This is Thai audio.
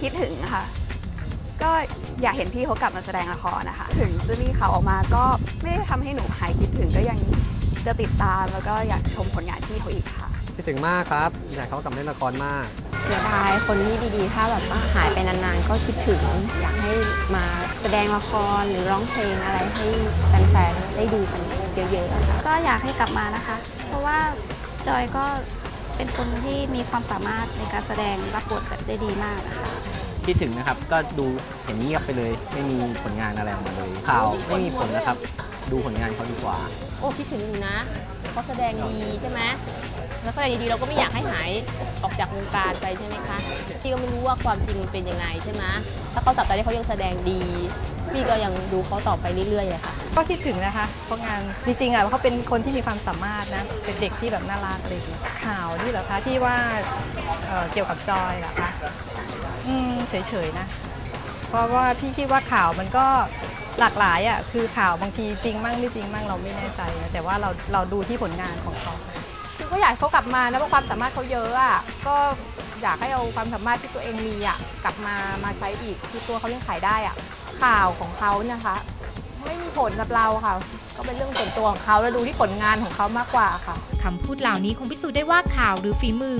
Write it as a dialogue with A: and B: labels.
A: คิดถึงค่ะก็อยากเห็นพี่เขากลับมาแสดงละครนะคะถึงจะมีข่าวออกมาก็ไม่ได้ทำให้หนูหายคิดถึงก็ยังจะติดตามแล้วก็อยากชมผลงานพี่เขาอีกค่ะ
B: คิดถึงมากครับอยากเขากลับมาเล่นละครมาก
C: เสียดายคนที่ดีๆถ้าแบบว่าหายไปนานๆก็คิดถึงอยากให้มาแสดงละครหรือร้องเพลงอะไรให้แฟนๆได้ดูกันเยอะๆค่ะ
D: ก็อยากให้กลับมานะคะเพราะว่าจอยก็เป็นคนที่มีความสามารถในการแสดงรับบทแบบได้ดีมากนะคะ
E: คิดถึงนะครับก็ดูเห็นเงียบไปเลยไม่มีผลงานอะไรออกมาเลยข่าวไม่มีผลนะครับดูผลงานเขาดีกว่า
F: โอ้คิดถึงอยู่นะเขาแสดงดีใช่ไหมแล้วแสดงดีๆเราก็ไม่อยากให้หายออกจากวงการไปใช่ไหมคะพี่ก็ไม่รู้ว่าความจริงเป็นยังไงใช่ไหมถ้าเขาสัปดาห์ที่เขายังแสดงดีพี่ก็ยังดูเขาต่อไปเรื่อยๆเลยค่ะ
G: ก็คิดถึงนะคะเพราะงานจริงๆเขาเป็นคนที่มีความสามารถนะเป็นเด็กที่แบบน่ารักเลยข่าวที่เหรอคะที่ว่าเกี่ยวกับจอยเหรอคะเฉยๆนะเพราะว่าพี่คิดว่าข่าวมันก็หลากหลายอ่ะคือข่าวบางทีจริงมั่งไม่จริงมั่งเราไม่แน่ใจแต่ว่าเราดูที่ผลงานของเขา
H: คือก็อยากเขากลับมานะเพราะความสามารถเขาเยอะอ่ะก็อยากให้เอาความสามารถที่ตัวเองมีอ่ะกลับมาใช้อีกคือตัวเขายังขายได้อ่ะข่าวของเขานะคะไม่มีผลกับเราค่ะก็เป็นเรื่องส่วนตัวของเขาแล้วดูที่ผลงานของเขามากกว่าค่ะ
I: คำพูดเหล่านี้คงพิสูจน์ได้ว่าข่าวหรือฝีมือ